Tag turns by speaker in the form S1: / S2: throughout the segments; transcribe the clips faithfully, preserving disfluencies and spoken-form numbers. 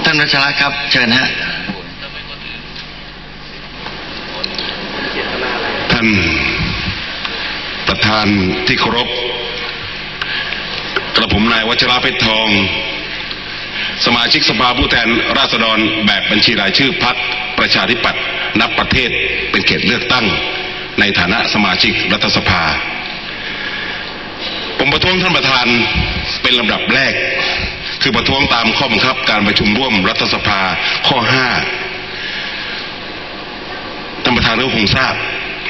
S1: ท่านวัชระครับเชิญฮะ
S2: ท่านประธานที่เคารพกระผมนายวัชระเพชรทองสมาชิกสภาผู้แทนราษฎรแบบบัญชีรายชื่อพรรคประชาธิปัตย์นับประเทศเป็นเขตเลือกตั้งในฐานะสมาชิกรัฐสภาผมประท้วงท่านประธานเป็นลำดับแรกคือประท้วงตามข้อบังคับการประชุมร่วมรัฐสภาข้อห้าท่านประธานก็คงทราบ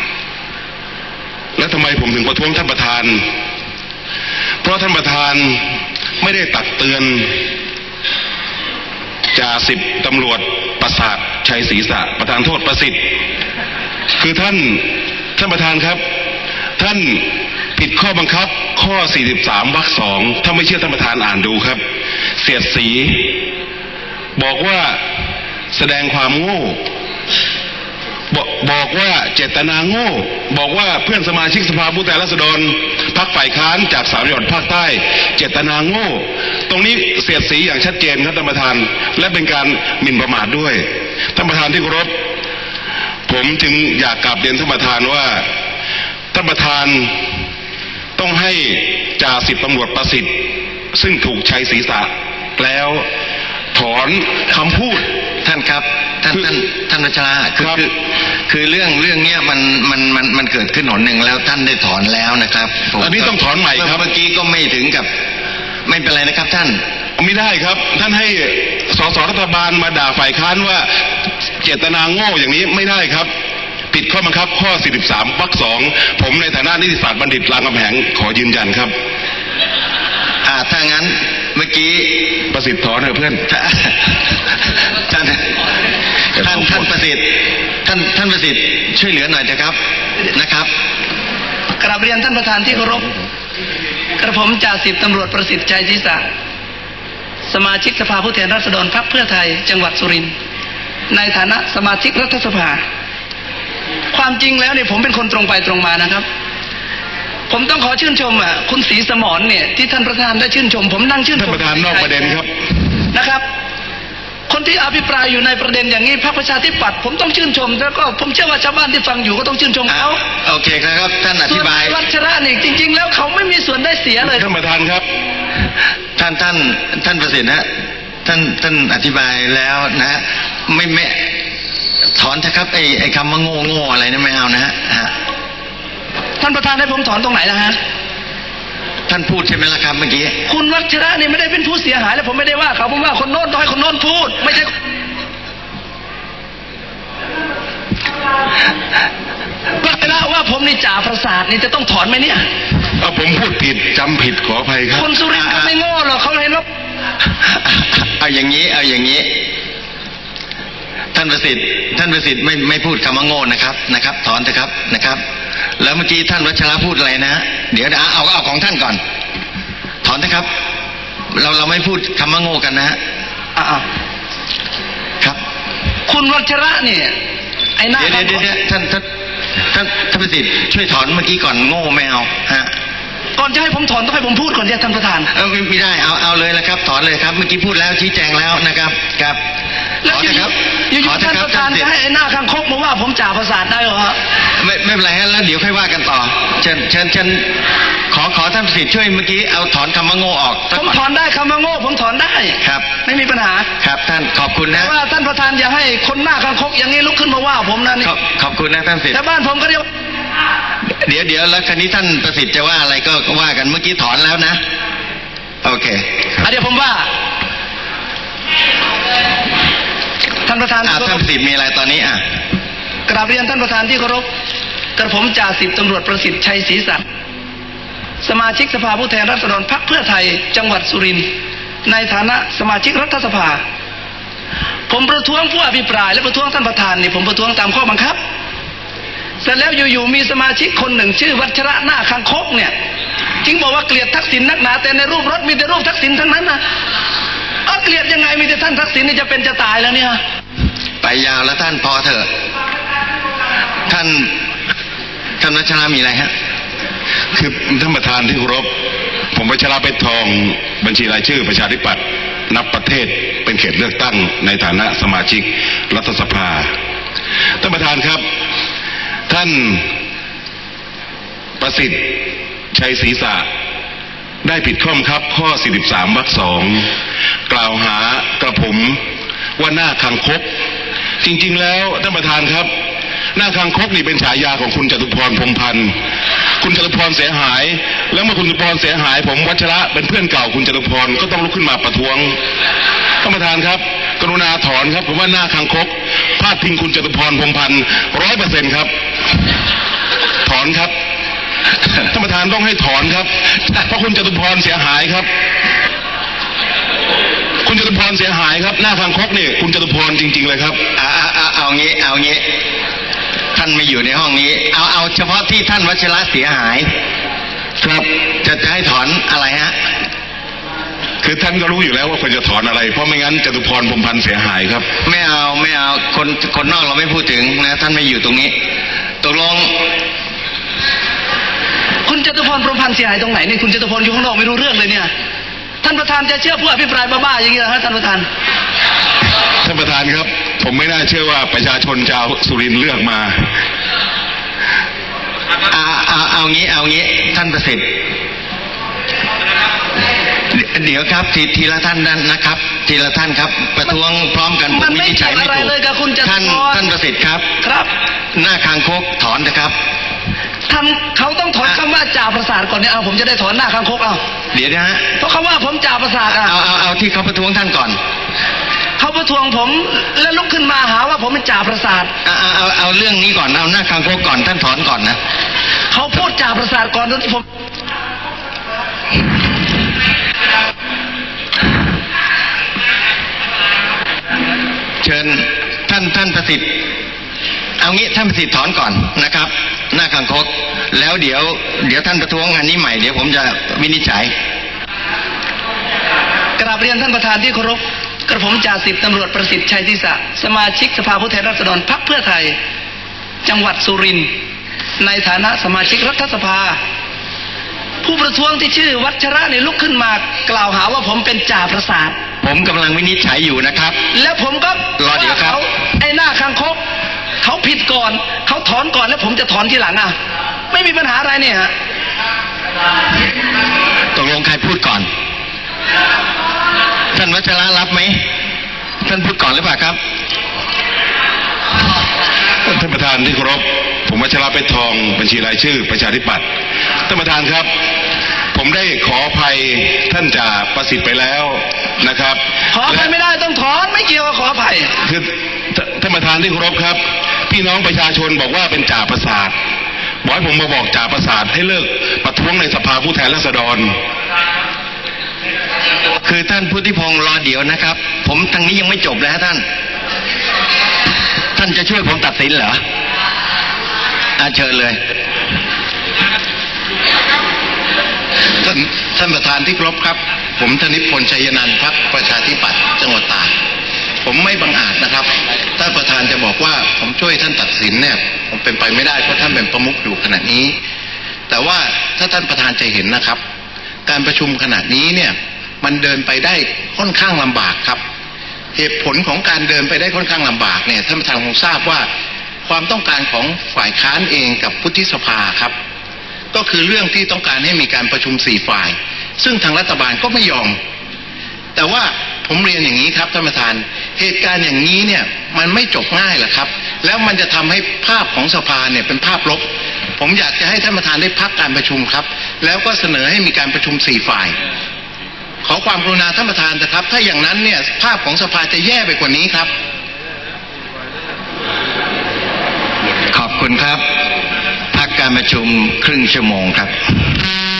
S2: และทำไมผมถึงประท้วงท่านประธานเพราะท่านประธานไม่ได้ตักเตือนจ่าสิบตำรวจประสาทชัยศรีษะประธานโทษประสิทธิ์คือท่านท่านประธานครับท่านผิดข้อบังคับข้อสี่สิบสามวรรคสองถ้าไม่เชื่อท่านประธานอ่านดูครับเสียดสีบอกว่าแสดงความโง่บอกบอกว่าเจตนาโง่บอกว่าเพื่อนสมาชิกสภาผู้แทนราษฎรพรรคฝ่ายค้านจากสามจังหวัดภาคใต้เจตนาโง่ตรงนี้เสียดสีอย่างชัดเจนครับท่านประธานและเป็นการหมิ่นประมาทด้วยท่านประธานที่เคารพผมจึงอยากกราบเรียนท่านประธานว่าท่านประธานต้องให้จ่าสิบตำรวจประสิทธิ์ซึ่งถูกชัยศีรษะแล้วถอนคำพูด
S1: ท่านครับท่านท่านท่านวัชระคือคือคือเรื่องเรื่องเนี้ยมันมันมันมันเกิดขึ้นหนหนึ่งแล้วท่านได้ถอนแล้วนะครับ
S2: อันนี้ต้องถอนใหม่ครับ
S1: เมื่อกี้ก็ไม่ถึงกับไม่เป็นไรนะครับท่าน
S2: ไม่ได้ครับท่านให้สสรัฐบาลมาด่าฝ่ายค้านว่าเจตนาโง่อย่างนี้ไม่ได้ครับผิดข้อบังคับข้อสี่สิบสามวรรคสองผมในฐานะนิติศาสตร์บัณฑิตรามคำแหงขอยืนยันครับ
S1: อ่าถ้างั้นเมื่อกี้
S2: ประสิทธิ์ถอนเถอะเพื่อน
S1: ท่านท่านท่านประสิทธิ์ท่านท่านประสิทธิ์ช่วยเหลือหน่อยนะครับนะครับ
S3: กราบเรียนท่านประธานที่เคารพกระผมจ่าสิบตำรวจประสิทธิ์ชัยศรีษะสมาชิกสภาผู้แทนราษฎรพรรคเพื่อไทยจังหวัดสุรินทร์ในฐานะสมาชิกรัฐสภาความจริงแล้วเนี่ยผมเป็นคนตรงไปตรงมานะครับผมต้องขอชื่นชมอ่ะคุณศรีสมรเนี่ยที่ท่านประธานได้ชื่นชมผมนั่งชื่นชม
S2: ท่านประธานนอกประเด็นครับ
S3: นะครับคนที่อภิปรายอยู่ในประเด็นอย่างนี้พรรคประชาธิปัตย์ผมต้องชื่นชมแล้วก็ผมเชื่อว่าชาวบ้านที่ฟังอยู่ก็ต้องชื่นชมเขา
S1: โอเคครับท่านอธิบาย
S3: วัชระนี่จริงๆแล้วเขาไม่มีส่วนได้เสียเลย
S2: ท่านประธานครับ
S1: ท่านท่านท่านประสิทธิ์นะท่านท่านอธิบายแล้วนะไม่ไม่ถอนเถอะครับไอ้ไอ้คำว่าโง่โง่อะไรนั่นไม่เอานะฮะ
S3: ท่านประธานให้ผมถอนตรงไหนนะฮะ
S1: ท่านพูดใช่ไหมล่ะครับเมื่อกี้
S3: คุณวัชระนี่ไม่ได้เป็นผู้เสียหายแล้วผมไม่ได้ว่าเขาผมว่าคนโน้นต้องให้คนโน้นพูดไม่ใช่วัชระว่าผมนี่จ่าประสาทนี่จะต้องถอนไหมเนี่ย
S2: เอาผมพูดผิดจำผิดขออภัยครับ
S3: คนสุรินทร์ไม่โง่หรอกเขาเห็นว่า
S1: เอาอย่างนี้เอาอย่างนี้ท่านประสิทธิ์ท่านประสิทธิ์ไม่ไม่พูดคำว่าโง่นะครับนะครับถอนเถอะครับนะครับแล้วเมื่อกี้ท่านวัชระพูดอะไรนะเดี๋ยวเอาเอาของท่านก่อนถอนนะครับเราเราไม่พูดคำว่าโง่กันนะฮะ
S3: อ้าว
S1: ครับ
S3: คุณวัชระเนี่ยไอ้หน้า
S1: เดี๋ยวเดี๋ยวท่านท่านท่านท่านประสิทธิ์ช่วยถอนเมื่อกี้ก่อนโง่ไม่เอาฮะ
S3: ก่อนจะให้ผมถอนต้องให้ผมพูดก่อนเนี่ยท่านประธาน
S1: เออไม่ได้เอาเอาเลยนะครับถอนเลยครับเมื่อกี้พูดแล้วชี้แจงแล้วนะครับครับ
S3: แล้วอยู่อยู่ท่านประธานจะให้ไอ้หน้าข้างคกมาว่าผมจ่าประสาทได้เหรอฮะ
S1: ไม่ไม่เป็นไรฮะแล้วเดี๋ยวค่อยว่ากันต่อเชิญเชิญเชิญขอขอท่านประสิทธิ์ช่วยเมื่อกี้เอาถอนคำว่าโง่ออก
S3: ผมถอนได้คำว่าโง่ผมถอนได้
S1: ครับ
S3: ไม่มีปัญหา
S1: ครับท่านขอบคุณนะ
S3: ว่าท่านประธานอย่าให้คนหน้าข้างคกอย่างนี้ลุกขึ้นมาว่าผมนะนี่
S1: ขอบคุณนะท่านประสิทธิ์
S3: แต่บ้านผมก็เรียก
S1: เดี๋ยวเดี๋ยวแล้วคราวนี้ท่านประสิทธิ์จะว่าอะไรก็ว่ากันเมื่อกี้ถอนแล้วนะโอเค
S3: เดี๋ยวผมว่าท่านประธาน
S1: ท่านประสิทธิ์มีอะไรตอนนี้อ่ะ
S3: กราบเรียนท่านประธานที่เคารพกระผมจ่าสิบตำรวจประสิทธิ์ชัยศรีษะสมาชิกสภาผู้แทนราษฎรพรรคเพื่อไทยจังหวัดสุรินทร์ในฐานะสมาชิกรัฐสภาผมประท้วงผู้อภิปรายและประท้วงท่านประธานนี่ผมประท้วงตามข้อบังคับเสร็จแล้วอยู่ๆมีสมาชิกคนหนึ่งชื่อวัชระหน้าคังคกเนี่ยจึงบอกว่าเกลียดทักษิณนักหนาแต่ในรูปรถมีแต่รูปทักษิณทั้งนั้นนะเอาเกลียดยังไงมีแต่ท่านทักษิณนี่จะเป็นจะตายแล้วเนี่ย
S1: ไปยาวแล้วท่านพอเถอะท่านท่านวัชระมีอะไรฮะ
S2: คือท่านประธานที่เคารพผมวัชระเพชรทองบัญชีรายชื่อประชาธิปัตย์นับประเทศเป็นเขตเลือกตั้งในฐานะสมาชิกรัฐสภาท่านประธานครับท่านประสิทธิ์ชัยศรีษะได้ผิดข้อบังคับข้อ สี่สิบสาม วรรคสองกล่าวหากระผมว่าหน้าคังคกจริงๆแล้วท่านประธานครับหน้าคังคกนี่เป็นฉายาของคุณจตุพรพรหมพันธ์คุณจตุพรเสียหายแล้วเมื่อคุณจตุพรเสียหายผมวัชระเป็นเพื่อนเก่าคุณจตุพรก็ต้องลุกขึ้นมาประท้วงท่านประธานครับกรุณาถอนครับผมว่าหน้าคังคกพาดพิงคุณจตุพรพรหมพันธ์ร้อยเปอร์เซ็นต์ครับถอนครับท่านประธานต้องให้ถอนครับเพราะคุณจตุพรเสียหายครับคุณจตุพรเสียหายครับหน้าคังคกนี่คุณจตุพรจริงๆเลยครับ
S1: เอาเอาเอาเอางี้เอางี้ท่านไม่อยู่ในห้องนี้เอาเอาเฉพาะที่ท่านวัชระเสียหายครับจะจะให้ถอนอะไรฮะ
S2: คือท่านก็รู้อยู่แล้วว่าควรจะถอนอะไรเพราะไม่งั้นจตุพรพรหมพันธ์เสียหายครับ
S1: ไม่เอาไม่เอาคนคนนอกเราไม่พูดถึงนะท่านไม่อยู่ตรงนี้ตกลง
S3: คุณจตุพรพรหมพันธ์เสียหายตรงไหนนี่คุณจตุพรอยู่ข้างนอกไม่รู้เรื่องเลยเนี่ยท่านประธานจะเชื่อผู้อภิปรายบ้าๆอย่างนี้เหรอฮะท่านประธาน
S2: ท่านประธานครับผมไม่น่าเชื่อว่าประชาชนชาวสุรินทร์เลือกมา
S1: เอาเอาเอางี้เอางี้ท่านประสิทธิ์เดี๋ยวครับทีทีละท่านนั้นนะครับทีละท่านครับประท้วงพร้อมกันผมวินิจฉัยไม่ถูกท่านท่านประสิทธิ์ครับ
S3: ครับ
S1: หน้าคางคกถอนนะครับ
S3: ท่านเขาต้องถอนคำว่าจ่าประสาทก่อนเนี่ยเอาผมจะได้ถอนหน้าคางคกเอา
S1: เดี๋ยวนะฮะ
S3: เพราะเขาว่าผมจ่าประสาทอ่ะ
S1: เอาเอาเอาที่เขาประท้วงท่านก่อน
S3: เขาประท้วงผมแล้วลุกขึ้นมาหาว่าผมเป็นจ่าประสาท
S1: เอาเอาเอาเอาเรื่องนี้ก่อนเอาหน้าคางคกก่อนท่านถอนก่อนนะ
S3: เขาพูดจ่าประสาทก่อนที่ผม
S1: เชิญท่านท่านประสิทธิ์เอางี้ท่านประสิทธิ์ถอนก่อนนะครับหน้าคางคกแล้วเดี๋ยวเดี๋ยวท่านประท้วงงานนี้ใหม่เดี๋ยวผมจะวินิจฉัย
S3: กราบเรียนท่านประธานที่เคารพกระผมจ่าสิบตำรวจประสิทธิ์ชัยศรีษะสมาชิกสภาผู้แทนราษฎรพรรคเพื่อไทยจังหวัดสุรินทร์ในฐานะสมาชิกรัฐสภาผู้ประท้วงที่ชื่อวัชระในลุกขึ้นมากล่าวหาว่าผมเป็นจ่าประสาท
S1: ผมกำลังวินิจฉัยอยู่นะครับ
S3: แล้วผมก็
S1: รอเดี๋ยวครับ
S3: ไอ้หน้าคางคกเขาผิดก่อนเขาถอนก่อนแล้วผมจะถอนทีหลังอ่ะไม่มีปัญหาอะไรเนี่ยฮะ
S1: ตกลงใครพูดก่อนท่านวัชระรับไหมท่านพูดก่อนหรือเปล่าครับ
S2: ท่านประธานที่เคารพผมวัชระเพชรทองบัญชีรายชื่อประชาธิปัตย์ท่านประธานครับผมได้ขออภัยท่านจ่าประสิทธิ์ไปแล้วนะครับ
S3: ขออภัยไม่ได้ต้องถอนไม่เกี่ยวกับขออภัย
S2: คือท่านประธานที่เคารพครับพี่น้องประชาชนบอกว่าเป็นจ่าประสาทบอกให้ผมมาบอกจ่าประสาทให้เลิกประท้วงในสภาผู้แทนราษฎร
S1: คือท่านพุทธิพงศ์รอเดี๋ยวนะครับผมทางนี้ยังไม่จบเลยฮะท่านท่านจะช่วยผมตัดสินเหรออาเชิญเลย
S4: ท่านท่านประธานที่เคารพครับผมธนิพนธ์ชัยนันท์พรรคประชาธิปัตย์จังหวัดตากผมไม่บังอาจนะครับถ้าประธานจะบอกว่าผมช่วยท่านตัดสินเนี่ยผมเป็นไปไม่ได้เพราะท่านเป็นประมุขอยู่ขณะนี้แต่ว่าถ้าท่านประธานจะเห็นนะครับการประชุมขณะนี้เนี่ยมันเดินไปได้ค่อนข้างลำบากครับเหตุผลของการเดินไปได้ค่อนข้างลำบากเนี่ยท่านประธานคงทราบว่าความต้องการของฝ่ายค้านเองกับวุฒิสภาครับก็คือเรื่องที่ต้องการให้มีการประชุมสี่ฝ่ายซึ่งทางรัฐบาลก็ไม่ยอมแต่ว่าผมเรียนอย่างนี้ครับท่านประธานเหตุการณ์อย่างนี้เนี่ยมันไม่จบง่ายหรอกครับแล้วมันจะทำให้ภาพของสภาเนี่ยเป็นภาพลบผมอยากจะให้ท่านประธานได้พักการประชุมครับแล้วก็เสนอให้มีการประชุมสี่ฝ่ายขอความกรุณาท่านประธานนะครับถ้าอย่างนั้นเนี่ยภาพของสภาจะแย่ไปกว่านี้ครับ
S1: ขอบคุณครับพักการประชุมครึ่งชั่วโมงครับ